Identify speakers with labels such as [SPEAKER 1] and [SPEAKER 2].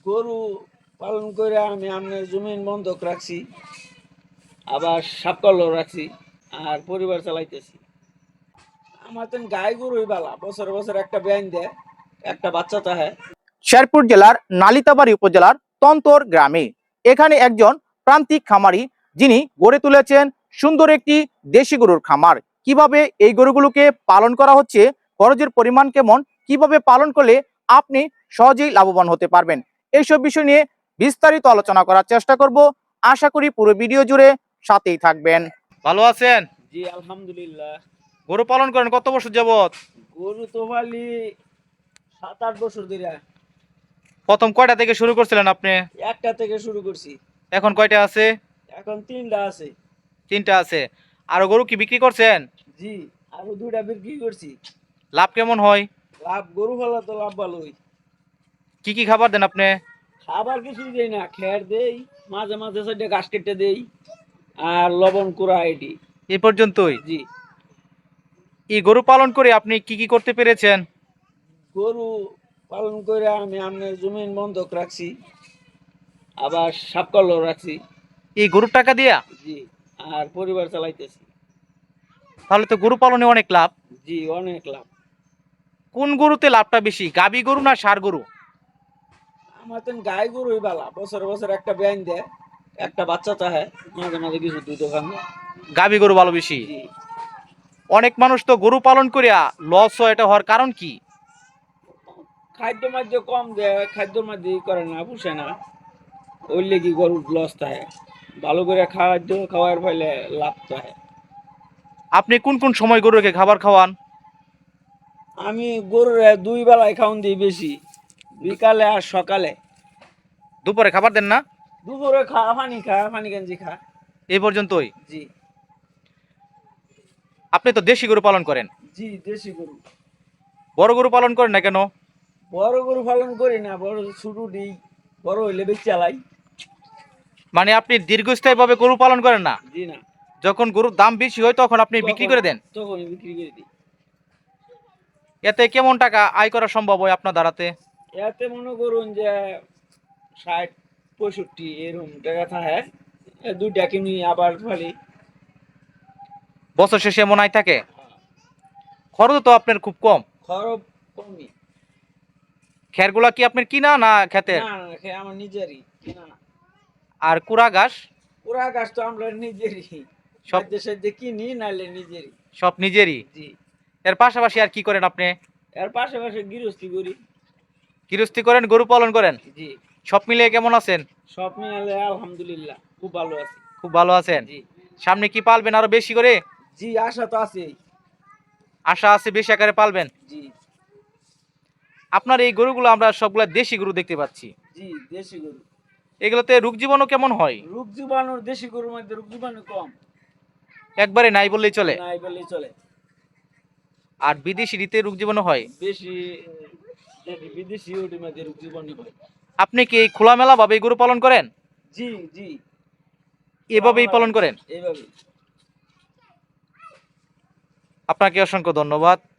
[SPEAKER 1] গরু পালন করে আমি আপনার জমিন বন্ধক রাখছি, আবার সাপকলও রাখছি, আর পরিবার চালাইতেছি। আমার তো গাই গরুই বালা, বছরে বছর একটা ব্যান দেয়, একটা বাচ্চা তাহে।
[SPEAKER 2] শেরপুর জেলার নালিতাবাড়ী উপজেলার তন্তর গ্রামে এখানে একজন প্রান্তিক খামারি যিনি গড়ে তুলেছেন সুন্দর একটি দেশি গরুর খামার। কিভাবে এই গরুগুলোকে পালন করা হচ্ছে, খরচের পরিমাণ কেমন, কিভাবে পালন করলে আপনি সহজেই লাভবান হতে পারবেন, এইসব বিষয় নিয়ে বিস্তারিত আলোচনা করার চেষ্টা করব। আশা করি পুরো ভিডিও জুড়ে সাথেই থাকবেন। ভালো আছেন?
[SPEAKER 1] জি আলহামদুলিল্লাহ।
[SPEAKER 2] গরু পালন করেন কত বছর যাবত?
[SPEAKER 1] গরু তো পালি 7-8 বছর ধরে।
[SPEAKER 2] প্রথম কয়টা থেকে শুরু করছিলেন আপনি?
[SPEAKER 1] একটা থেকে শুরু করছি।
[SPEAKER 2] এখন কয়টা আছে?
[SPEAKER 1] এখন 3টা আছে।
[SPEAKER 2] 3টা আছে। আর গরু কি বিক্রি করছেন?
[SPEAKER 1] জি, আরো 2টা বিক্রি করছি।
[SPEAKER 2] লাভ কেমন হয়?
[SPEAKER 1] লাভ, গরু পালা তো লাভ ভালোই।
[SPEAKER 2] কি কি খাবার দেন আপনি?
[SPEAKER 1] খাবার কিছুই দেই না, খের দেই, মাঝে মাঝে সাইডে ঘাস কেটে দেই, আর লবণ কুড়া এটি।
[SPEAKER 2] এই পর্যন্তই?
[SPEAKER 1] জি।
[SPEAKER 2] এই গরু পালন করে আপনি কি কি করতে পেরেছেন?
[SPEAKER 1] গরু পালন করে আমি আপনার জমিন বন্ধক রাখছি, আবার সাপকলও রাখছি।
[SPEAKER 2] এই গরুর টাকা দিয়া?
[SPEAKER 1] জি। আর পরিবার চালাইতেছি।
[SPEAKER 2] তাহলে তো গরু পালনে অনেক লাভ।
[SPEAKER 1] জি, অনেক লাভ।
[SPEAKER 2] কোন গরুতে লাভটা বেশি, গাবি গরু না ষাঁড় গরু?
[SPEAKER 1] আমার তো গাই গরুই বালা, বছরে বছর একটা ব্যান দেয়, একটা বাচ্চা চাহে, মাঝে মাঝে কিছু দুধ খান।
[SPEAKER 2] গাবি গরু ভালো বেশি?
[SPEAKER 1] জি।
[SPEAKER 2] অনেক মানুষ তো গরু পালন করিয়া লস হয়, এটা হওয়ার কারণ কি?
[SPEAKER 1] খাদ্য মাদ্য কম দেয়, খাদ্য মাদ্য করে না, পুষে না, ওই লেগে গরুর লস থাকে। ভালো করে খাদ্য খাওয়ার ফলে লাভ থাকে।
[SPEAKER 2] আপনি কোন কোন সময় গরুকে খাবার খাওয়ান?
[SPEAKER 1] আমি গরুর 2 বেলায় খাওয়ান দিই বেশি, বিকালে আর সকালে।
[SPEAKER 2] দুপুরে খাবার দেন না?
[SPEAKER 1] দুপুরে পানি গেঞ্জি খা।
[SPEAKER 2] এই পর্যন্তই?
[SPEAKER 1] জি।
[SPEAKER 2] আপনি তো দেশি গরু পালন করেন,
[SPEAKER 1] জি, দেশি গরু।
[SPEAKER 2] বড় গরু পালন করেন না কেন?
[SPEAKER 1] বড় গরু পালন করি না, বড় ছোট দিই, বড় হইলে বেশি চালাই।
[SPEAKER 2] মানে আপনি দীর্ঘস্থায়ী ভাবে গরু পালন করেন না?
[SPEAKER 1] জি না।
[SPEAKER 2] যখন গরুর দাম বেশি হয় তখন আপনি বিক্রি করে দেন?
[SPEAKER 1] তখন বিক্রি করে দিই।
[SPEAKER 2] এতে কেমন টাকা আয় করা সম্ভব হয় আপনার দ্বারাতে?
[SPEAKER 1] এতে মনে করুন যে 60-65 এরকম টাকা থাকে। 2টা কিনি আবার ফেলি।
[SPEAKER 2] বছর শেষে এমন আয় থাকে? খরচ তো আপনার খুব কম।
[SPEAKER 1] খরচ কমই।
[SPEAKER 2] খেরগুলা কি আপনার কিনা না খেতের?
[SPEAKER 1] না না, আমার নিজেরই কিনা না।
[SPEAKER 2] আর কুড়া ঘাস?
[SPEAKER 1] পুরা গাছ তো আমরা নিজেরই,
[SPEAKER 2] সব
[SPEAKER 1] সাধ্যে সাধ্যে কিনি, নাহলে নিজেরই।
[SPEAKER 2] সব নিজেরই?
[SPEAKER 1] জি।
[SPEAKER 2] এর পাশাপাশি আর কি করেন আপনি?
[SPEAKER 1] এর পাশাপাশি গৃহস্থী করি।
[SPEAKER 2] গৃহস্থী করেন, গরু পালন করেন,
[SPEAKER 1] জি।
[SPEAKER 2] সব মিলিয়ে কেমন আছেন?
[SPEAKER 1] সব মিলালে আলহামদুলিল্লাহ খুব ভালো আছি।
[SPEAKER 2] খুব ভালো আছেন?
[SPEAKER 1] জি।
[SPEAKER 2] সামনে কি পালবেন আরো বেশি করে?
[SPEAKER 1] জি, আশা তো আছেই।
[SPEAKER 2] আশা আছে বেশি আকারে পালবেন?
[SPEAKER 1] জি।
[SPEAKER 2] আপনার এই গরুগুলো আমরা সবগুলা দেশি গরু দেখতে পাচ্ছি,
[SPEAKER 1] জি, দেশি গরু।
[SPEAKER 2] এগুলোতে রোগ জীবাণু কেমন হয়?
[SPEAKER 1] রোগ জীবাণুর, দেশি গরুর মধ্যে রোগ জীবাণু কম।
[SPEAKER 2] একবারে নাই বললেই চলে?
[SPEAKER 1] নাই বললেই চলে।
[SPEAKER 2] আর বিদেশি রীতে রোগ জীবাণু হয়?
[SPEAKER 1] বেশি বিদেশি ওটির মধ্যে রোগ জীবাণু হয়।
[SPEAKER 2] আপনি কি এই খোলামেলা ভাবে এই গরু পালন করেন?
[SPEAKER 1] জি জি।
[SPEAKER 2] এভাবেই পালন করেন?
[SPEAKER 1] এইভাবে।
[SPEAKER 2] আপনাকে অসংখ্য ধন্যবাদ।